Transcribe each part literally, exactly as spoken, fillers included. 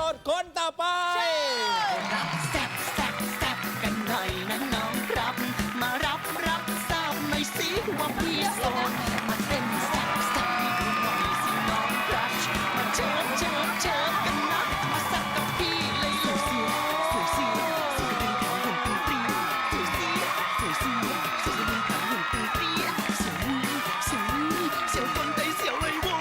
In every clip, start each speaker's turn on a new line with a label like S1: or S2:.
S1: ดคนต่อไป
S2: รับแซ่บแซ่บแซ่บกันหน่อยนะน้องครับมารับรับทราบหน่อยสิว่าพี่โสดมาเต้นแซ่บแซ่บให้ดูหน่อยสิน้องครับมาเชิญเชิญเชิญกันนะมาแซ่บกับพี่เลยโลสวยสิสวยเป็นขาหุ่นตึงปรีสวยสิสวยสิสวยเป็นขาหุ่นตึงปรีสวยสวยเสียวคนใจเสียวเลยโว้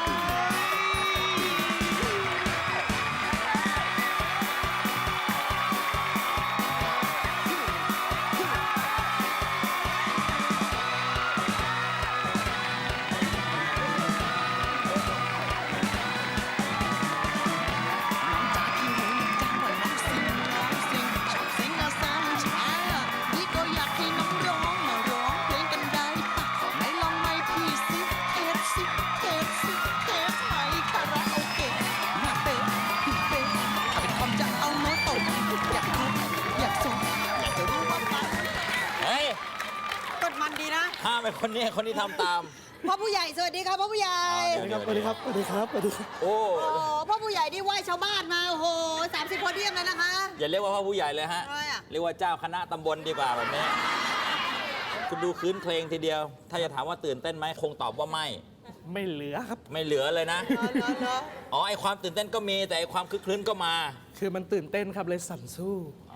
S1: ห้ามเป็นคนนี้คนนี้ทำตาม
S3: พ่อผู้ใหญ่สวัสดีครับพ่อผู้ใหญ่
S1: สวัสดีครับ
S4: สวัสดีครับ สวัสดีครับ สวัสดีครับ
S1: โอ้
S3: โอ้พ่อผู้ใหญ่นี่ไหว้ชาวบ้านมาโอ้โหสามสิบโพเดียมเลยนะคะ
S1: อย่าเรียกว่าพ่อผู้ใหญ่เลยฮะ
S3: ทำไมอะ
S1: เรียกว่าเจ้าคณะตำบลดีกว่าแบบนี้ คุณดูคืนเพลงทีเดียว ถ้าจะถามว่าตื่นเต้นไหมคงตอบว่าไม่
S4: ไม่เหลือครับ
S1: ไม่เหลือเลยนะ
S3: เหรอเหรอเหรอ
S1: อ๋อไอความตื่นเต้นก็มีแต่ไอความคึกคืนก็มา
S4: คือมันตื่นเต้นครับเลยสั่นสู้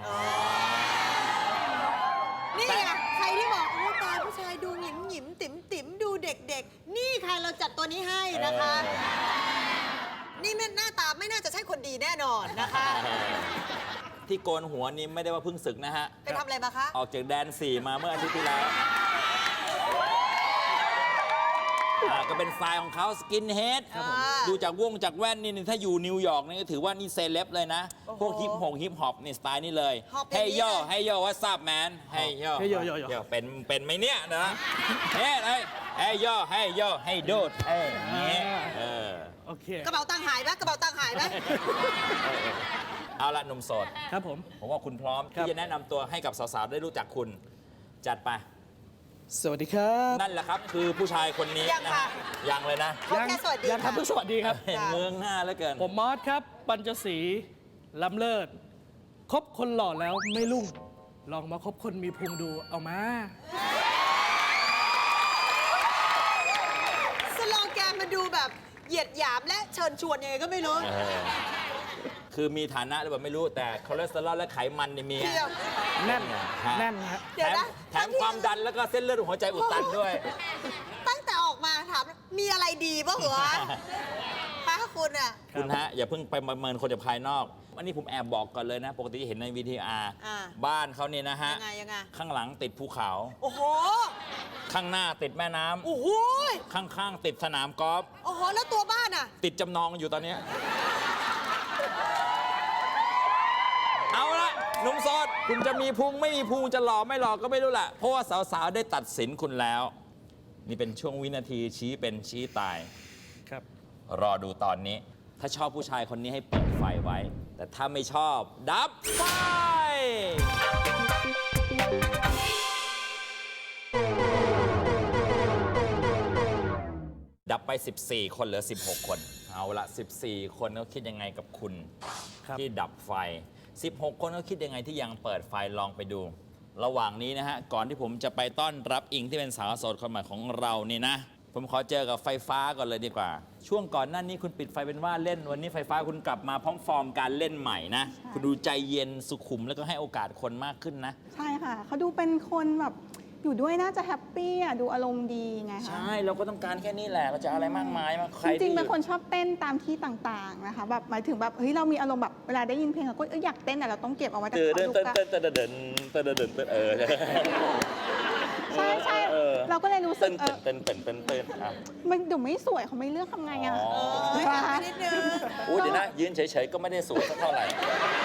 S3: นี่ไงใครที่บอกโอ้ตายผู้ชายดูหงิมหงิมติ๋มติ๋มดูเด็กๆ นี่ค่ะเราจัดตัวนี้ให้นะคะ นี่ไม่หน้าตาไม่น่าจะใช่คนดีแน่นอนนะคะ
S1: ที่โกนหัวนี่ไม่ได้ว่าเพิ่งศึกนะฮะ
S3: ไปทำอะไรมาคะ
S1: ออกจากแดนสี่มาเมื่ออาทิตย์ที่แล้วอ่าก็เป็นสไตล์ของเขาสกินเฮด
S3: ครับผม
S1: ดูจากวงจากแว่นนี่ถ้าอยู่นิวยอร์กนี่ก็ถือว่านี่เซเลบเลยนะ
S3: โอ้โห
S1: พวกฮิปฮงฮิปฮอปนี่สไตล์นี่เลย
S3: ฮอปอย่าง
S1: เฮ้ย
S3: นี้
S1: โย่
S3: เลย
S1: เฮ้ยโย่ว่าซับแมนเฮ้ยโย่
S4: Hey yo yo yo
S1: เป็นเป็นไหมเนี่ยนะเฮ้ยเฮ้ยเฮ้ยโย่เฮ้ยโย่เฮ้ยโดดเอ้ยอย่างงี้เออ
S4: โอเค
S3: กระเป๋าตังค์หายไหมกระเป๋าตังค์หายไหม
S1: เอาละหนุ่มโสด
S4: ครับผม
S1: ผมว่าคุณพร้อม
S4: ครับ
S1: ที่จะแนะนำตัวให้กับสาวๆได้รู้จักคุณจัดไป
S4: สวัสดีครับ
S1: นั่นแหละครับคือผู้ชายคนนี้
S3: ยัง
S1: นะ
S3: ค่ะ
S1: ฮะยังเลยนะ
S3: เขาแค่สวัสดี
S4: ยังครับ
S3: ค่ะ
S4: เพิ่งสวัสดีครับ
S1: เห็นเมืองหน้าแล้วเกิน
S4: ผมมอสครับ ปัญจศรีล้ำเลิศ คบคนหล่อแล้วไม่รุ่ง ลองมาคบคนมีพุงดู เอามา
S3: สโลแกนมันดูแบบเหยียดหยามและเชิญชวนยังไงก็ไม่รู้
S1: เออคือมีฐานะหรือเปล่าไม่รู้แต่คอเลสเตอรอลและไขมันนี่มี
S3: เทียม
S4: แน่น
S1: ฮะ
S4: แน่นฮะ
S3: เดี๋
S1: แถ
S3: ยว
S1: ม
S3: นะ
S1: แถมความดันแล้วก็เส้นเลือดหัวใจอุดตันด้วย
S3: ตั้งแต่ออกมาถามมีอะไรดีป่ะเหรอคะคุณอ่ะ
S1: คุณฮะ อย่าเพิ่งไปประเมินคนจากภายนอกอันนี้ผมแอบบอกก่อนเลยนะ ปกติเห็นในวีทีอาร์
S3: อ่า
S1: บ้านเขาเนี่ยนะฮะ
S3: ยังไงยังไง
S1: ข้างหลังติดภูเขา
S3: โอ้โห
S1: ข้างหน้าติดแม่น้ำ
S3: โอ้โห
S1: ข้างๆติดสนามกอล์ฟ
S3: โอ้โห แล้วตัวบ้านอ่ะ
S1: ติดจำนองอยู่ตอนเนี้ยเอาละหนุ่มโสดคุณจะมีพุงไม่มีพุงจะหล่อไม่หล่อก็ไม่รู้แหละเพราะว่าสาวๆได้ตัดสินคุณแล้ว นี่เป็นช่วงวินาทีชี้เป็นชี้ตาย
S4: ครับ
S1: รอดูตอนนี้ ถ้าชอบผู้ชายคนนี้ให้เปิดไฟไว้ แต่ถ้าไม่ชอบดับไฟ ดับไป สิบสี่ คนเหลือ สิบหก คน เอาละ สิบสี่ คนเขาคิดยังไงกับคุณ
S4: ครับ
S1: ที่ดับไฟ สิบหก คนเขาคิดยังไงที่ยังเปิดไฟลองไปดู ระหว่างนี้นะฮะ ก่อนที่ผมจะไปต้อนรับอิงที่เป็นสาวโสดคนใหม่ของเรานี่นะ ผมขอเจอกับไฟฟ้าก่อนเลยดีกว่า ช่วงก่อนหน้านี้คุณปิดไฟเป็นว่าเล่น วันนี้ไฟฟ้าคุณกลับมาพร้อมฟอร์มการเล่นใหม่นะ คุณดูใจเย็นสุขุมแล้วก็ให้โอกาสคนมากขึ้นนะ
S5: ใช่ค่ะ เขาดูเป็นคนแบบอยู่ด้วยน่าจะแฮปปี้อ่ะ ดูอารมณ์ดีไงคะ
S1: ใช่ เราก็ต้องการแค่นี้แหละ เราจะอะไรมากมายมาใคร
S5: จริงๆ
S1: ที่
S5: เป็นคนชอบเต้นตามที่ต่างๆนะคะแบบหมายถึงแบบเฮ้ยเรามีอารมณ์แบบเวลาได้ยินเพลงเราก็เอ้ยอยากเต้นแต่เราต้องเก็บเอาไว้แต่
S1: เดิน
S5: เขา
S1: เดิน
S5: ดู
S1: เต้น
S5: ก็
S1: เต้นเต้นเดินเต้นเดินเต้นเออ
S5: ใช่ใช่
S1: เออ
S5: เราก็เลยรู้สึ
S1: เต้
S5: ก
S1: น
S5: เออ
S1: เต้นเต้นเต้นเต้นอ่ะ
S5: มันเดี๋ยวไม่สวยเขาไม่เลือกทำไงอ่ะ
S1: อ๋อ
S3: เฮ้ยไปนิดนึง
S1: อู้เดี๋ยวนะยืนเฉยๆก็ไม่ได้สูงสักเท่าไหร่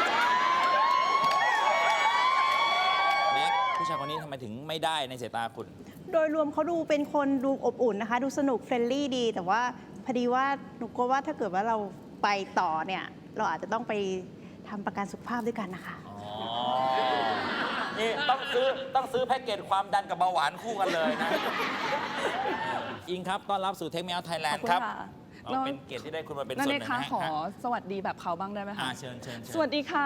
S1: แม็กผู้ชายคนนี้ทำไมถึงไม่ได้ในสายตาคุณ
S6: โดยรวมเขาดูเป็นคนดูอบอุ่นนะคะ ดูสนุกเฟรนลี่ดี แต่ว่าพอดีว่าหนูกลัวว่าถ้าเกิดว่าเราไปต่อเนี่ย เราอาจจะต้องไปทำประกันสุขภาพด้วยกันนะคะ
S1: อ๋อ นี่ต้องซื้อต้องซื้อแพ็กเกจความดันกับเบาหวานคู่กันเลยนะ อิงครับต้อนรับสู่เทคเมลไทยแลนด์ครับ
S6: ขอบคุณค่ะ
S1: เอาเป็นเกียรติที่ได้คุณมาเป็นส่
S7: นั่
S1: วน นห
S7: เอ
S1: นึ่
S7: ง
S1: ง
S7: คะ
S1: นะฮะ
S7: ขอสวัสดีแบบเขาบ้างได้ไหม
S1: อ่า
S7: คะ
S1: เชิญเชิญเชิญ
S7: สวัสดีค่ะ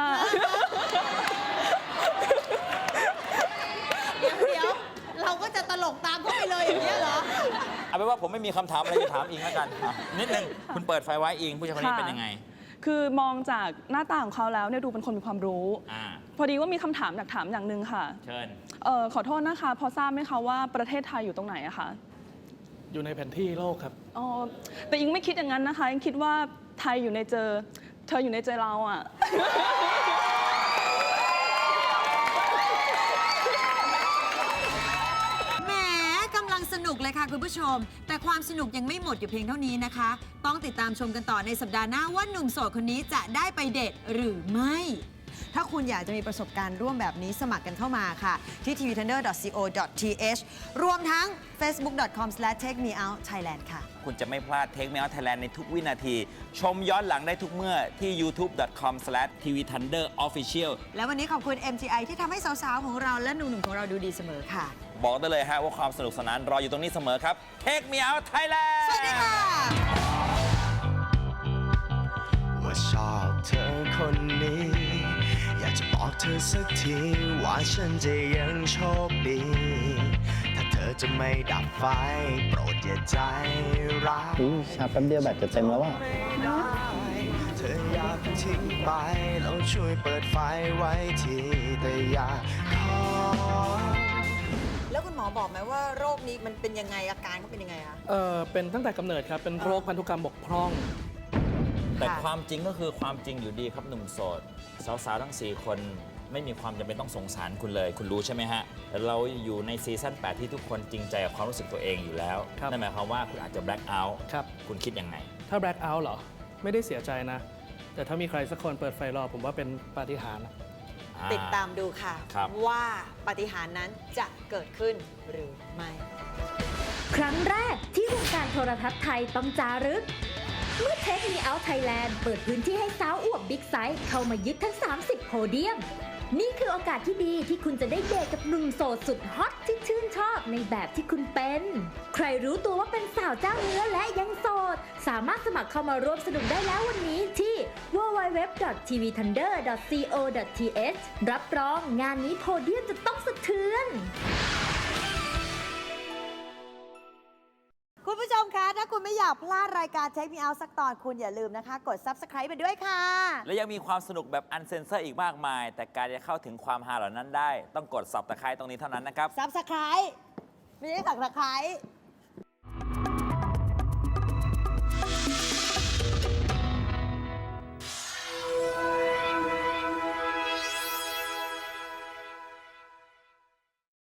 S3: เดี๋ยวเราก็จะตลกตามเขาไปเลยอย่างนี้ยเหรอ
S1: เอาเป็นว่าผมไม่มีคำถามอะไรจะถามอิงแล้วกันอ่ะนิดนึงคุณเปิดไฟไว้อิงผู้ชายคนนี้
S7: ค่ะ
S1: เป็นยังไง
S7: คือมองจากหน้าตาของเขาแล้วเนี่ยดูเป็นคนมีความรู้
S1: อ่า
S7: พอดีว่ามีคำถามอยากถามอย่างหนึ่งค่ะ
S1: เชิญ
S7: เอ่อขอโทษนะคะ พอทราบไหมคะว่าประเทศไทยอยู่ตรงไหนอะคะ
S4: อยู่ในแผนที่โลกครับ
S7: อ๋อแต่อิงไม่คิดอย่างนั้นนะคะอิงคิดว่าไทยอยู่ในเจอ เธออยู่ในใจเราอะ
S3: แหมกำลังสนุกเลยค่ะคุณผู้ชม แต่ความสนุกยังไม่หมดอยู่เพียงเท่านี้นะคะ ต้องติดตามชมกันต่อในสัปดาห์หน้าว่าหนุ่มโสดคนนี้จะได้ไปเดทหรือไม่ ถ้าคุณอยากจะมีประสบการณ์ร่วมแบบนี้สมัครกันเข้ามาค่ะ ที่ ที วี ทันเดอร์ ดอท ซี โอ ดอท ที เอช รวมทั้ง เฟซบุ๊ก ดอท คอม สแลช เทค มี เอาท์ ไทยแลนด์ ค่ะ
S1: คุณจะไม่พลาด Take Me Out Thailand ในทุกวินาที ชมย้อนหลังได้ทุกเมื่อที่ ยูทูบ ดอท คอม สแลช ที วี ทันเดอร์ ออฟฟิเชียล
S3: และวันนี้ขอบคุณ เอ็ม ที ไอ ที่ทำให้สาวๆของเราและหนุ่มๆของเราดูดีเสมอค่ะ
S1: บอกได้เลยฮะว่าความสนุกสนานรออยู่ตรงนี้เสมอครับ Take Me Out Thailand
S3: สวัสดีค่ะ
S8: ว่าชอบเธอคนนี้ อยากจะบอกเธอสักทีว่าฉันจะยังโชคดี ถ้าเธอจะไม่ดับไฟ โปรดอย่าใจร้าย
S9: อุ๊ยชาร์จแป๊บเดียวแบตจะเต็มแล้วอ่ะ
S8: เธออย่าเพิ่งทิ้งไปแล้วช่วยเปิดไฟไว้ทีแต่อย่าขอ
S3: แล้วคุณหมอบอกไหมว่าโรคนี้มันเป็นยังไงอาการเขาเป็นยังไงคะ
S4: เออเป็นตั้งแต่กำเนิดครับ เป็นโรคพันธุกรรมบกพร่อง
S1: แต่ความจริงก็คือความจริงอยู่ดีครับหนุ่มโสด สาวๆทั้ง สี่ คนไม่มีความจำเป็นต้องสงสารคุณเลย คุณรู้ใช่ไหมฮะ เราอยู่ในซีซั่นแปดที่ทุกคนจริงใจกับความรู้สึกตัวเองอยู่แล้ว
S4: ครับ
S1: นั่นหมายความว่าคุณอาจจะ black out
S4: ครับ
S1: คุณคิดยังไง
S4: ถ้า black out เหรอ ไม่ได้เสียใจนะ แต่ถ้ามีใครสักคนเปิดไฟรอผมว่าเป็นปาฏิหาริย์นะ
S3: ติดตามดูค่ะ
S1: ครับ
S3: ว่าปาฏิหาริย์นั้นจะเกิดขึ้นหรือไม่
S10: ครั้งแรกที่วงการโทรทัศน์ไทยต้องจารึก เมื่อเทคมีเอาท์ไทยแลนด์เปิดพื้นที่ให้สาวอวบบิ๊กไซส์เข้ามายึดทั้ง สามสิบ โพเดียม นี่คือโอกาสที่ดีที่คุณจะได้เดทกับหนุ่มโสดสุดฮอตที่ชื่นชอบในแบบที่คุณเป็น ใครรู้ตัวว่าเป็นสาวเจ้าเนื้อและยังโสด สามารถสมัครเข้ามาร่วมสนุกได้แล้ววันนี้ที่ ดับเบิลยู ดับเบิลยู ดับเบิลยู ดอท ที วี ทันเดอร์ ดอท ซี โอ ดอท ที เอช รับรองงานนี้โพเดียมจะต้องสะเทือน
S3: คุณผู้ชมคะ ถ้าคุณไม่อยากพลาดรายการ Take Me Out สักตอนคุณอย่าลืมนะคะ กด Subscribe ไปด้วยค่ะ
S1: และยังมีความสนุกแบบอันเซนเซอร์อีกมากมาย แต่การจะเข้าถึงความฮาเหล่านั้นได้ ต้องกดสับตะไคร้ตรงนี้เท่านั้นนะครับ
S3: Subscribe ไม่ใช่สักตะไคร้